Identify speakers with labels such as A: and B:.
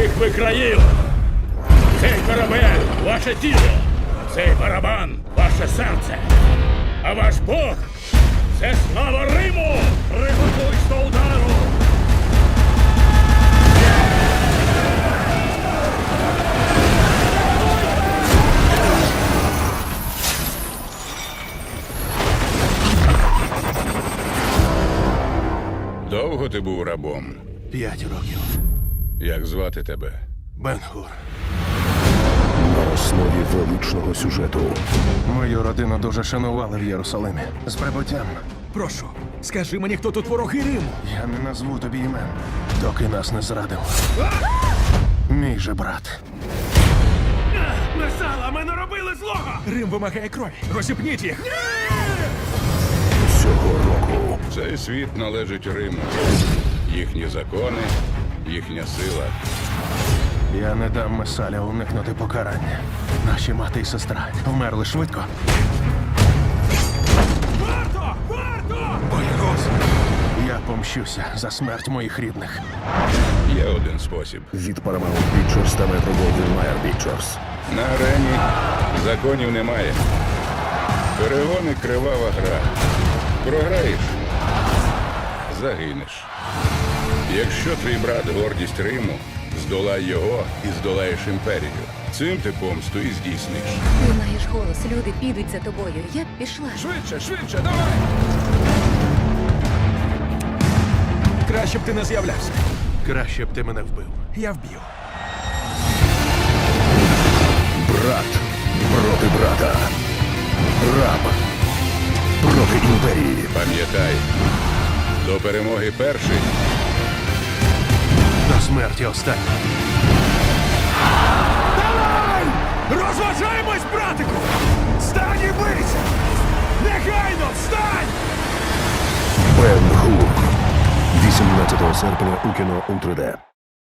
A: всіх ви країв! Цей корабель – ваше тіло, цей барабан – ваше серце. А ваш Бог – це слава Риму! Приготуйсь до удару!
B: Довго ти був рабом?
C: 5 років.
B: Як звати тебе?
C: Бен-Гур.
D: На основі величного сюжету.
C: Мою родину дуже шанували в Єрусалимі. З прибуттям.
E: Прошу, скажи мені, хто тут вороги Риму?
C: Я не назву тобі імен, доки нас не зрадив. Мій же брат.
A: Месала, ми не робили злого!
E: Рим вимагає крові. Розіпніть їх.
D: Цього року
B: Цей світ належить Риму. Їхні закони, їхня сила.
C: Я не дам Месаля уникнути покарання. Наші мати і сестра вмерли швидко.
A: Варто! Варто!
E: Боягуз!
C: Я помщуся за смерть моїх рідних.
B: Є один спосіб.
D: від Paramount Pictures та Metro-Goldwyn-Mayer Pictures.
B: На арені законів немає. Перегони – кривава гра. Програєш – загинеш. Якщо твій брат – гордість Риму, здолай його і здолаєш імперію. Цим ти помсту і здійсниш.
F: Ти маєш голос, люди підуть за тобою. Я б пішла.
E: Швидше, давай! Краще б ти не з'являвся.
C: Краще б ти мене вбив.
E: Я вб'ю.
D: Брат проти брата. Раб проти імперії.
B: Пам'ятай, до перемоги перший.
C: До смерті останній.
E: Давай! Розважаємось, братику! Встань і бийся! Негайно, встань!
D: Бен-Гур. 18 серпня у кіно у 3D.